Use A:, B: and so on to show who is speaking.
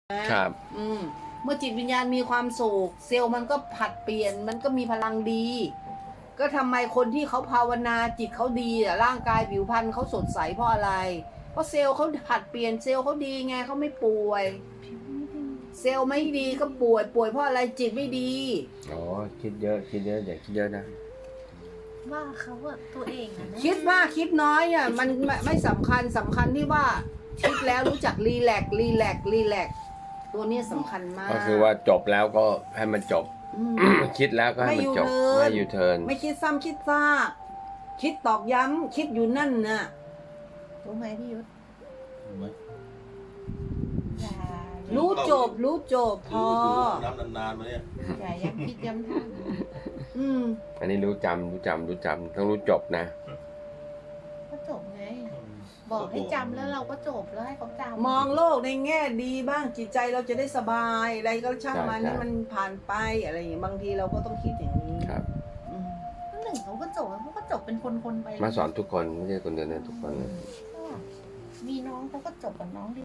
A: นะครับเมื่อจิตวิญญาณมีความสุขเซลล์มันก็ผัดเปลี่ยนมันก็มีพลังดี ก็ทำไมคนที่เขาภาวนาจิตเขาดีอ่ะร่างกายผิวพรรณเขาสดใสเพราะอะไร เพราะเซลล์เขาผัดเปลี่ยนเซลล์เขาดีไงเขาไม่ป่วย เซลล์ไม่ดีก็ป่วยเพราะอะไรจิตไม่ดี
B: อ๋อคิดเยอะอย่าคิดเยอะนะ
C: ว่าเขาอะตัวเองอะนะ
A: คิดมากคิดน้อยอ่ะมันไม่สำคัญที่ว่าคิดแล้วรู้จักรีแลกซ์ตัวนี้สำคัญมาก
B: ก็คือว่าจบแล้วก็ให้มันจบ คิดแล้วก็ให้มันจบไม่ยูเทิร์น
A: ไม่คิดซ้ำคิดซากคิดตอกย้ำคิดอยู่นั่นน่ะ
C: รู้ไหมพี่ยุทธอย่า
A: รู้จบพอ
D: น้ำนานๆมาเนี่ย
C: อย่าย้ำคิดย้ำทำ
B: อันนี้รู้จำต้องรู้จบนะ
C: ก็จบไง บอกให้จำแล้วเราก็จบแล้วให้เขาจำ
A: มองโลกในแง่ดีบ้างจิตใจเราจะได้สบายอะไรก็ช่างมัน
B: ใช่
A: ให้มันผ่านไปอะไรอย่างเงี้ยบางทีเราก็ต้องคิดอย่างนี้
B: ครับ
A: อืม
C: หนึ่งเขาก็จบแล้วเขาก็จบเป็นคนๆไป
B: มาสอนทุกคนไม่ใช่คนเดียวนะทุกคนนะ
C: มีน้องเขาก็จบกับน้อง